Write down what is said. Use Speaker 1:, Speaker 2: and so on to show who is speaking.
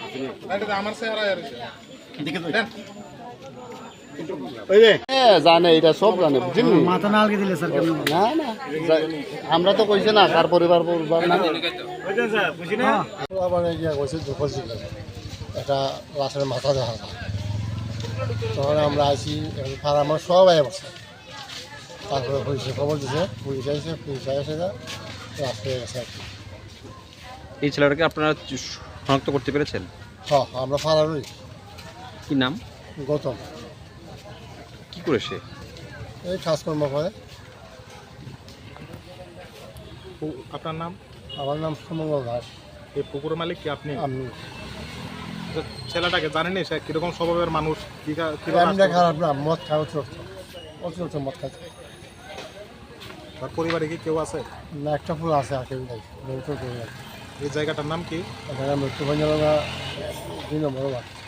Speaker 1: জানে এটা সব জানে বুঝলি মাথা না আলগে দিলে স্যার না না আমরা তো কইছে না কার পরিবার না
Speaker 2: একটা লাশের মাথা দেখা যায় তখন আমরা আসি আমার সব আয় বসে তারপরে পুলিশে খবর দিছে পুলিশ আসে পুলিশ এসে লাশ হয়ে গেছে আর কি।
Speaker 3: এই ছেলেটাকে আপনারা শনাক্ত করতে পেরেছেন?
Speaker 2: হ্যাঁ আমরা ফারারই।
Speaker 3: কি নাম?
Speaker 2: গৌতম।
Speaker 3: কি করে সে?
Speaker 2: এই কাজকর্ম করে।
Speaker 4: আপনার নাম?
Speaker 2: আমার নাম সুমঙ্গল দাস।
Speaker 4: এই পুকুরের মালিক কি আপনি?
Speaker 2: আমি।
Speaker 4: ছেলেটাকে জানেনি সে কিরকম স্বভাবের মানুষ?
Speaker 2: খারাপ না, মদ খায় অতিরিক্ত মদ খাচ্ছে।
Speaker 4: তার পরিবারে কি কেউ আছে?
Speaker 2: না, একটা ফুল আছে আর কেউ নেই।
Speaker 4: এই জায়গাটার নাম কি?
Speaker 2: মৃত্যু ভঞ্জনা 2 নম্বর ওয়ার্ড।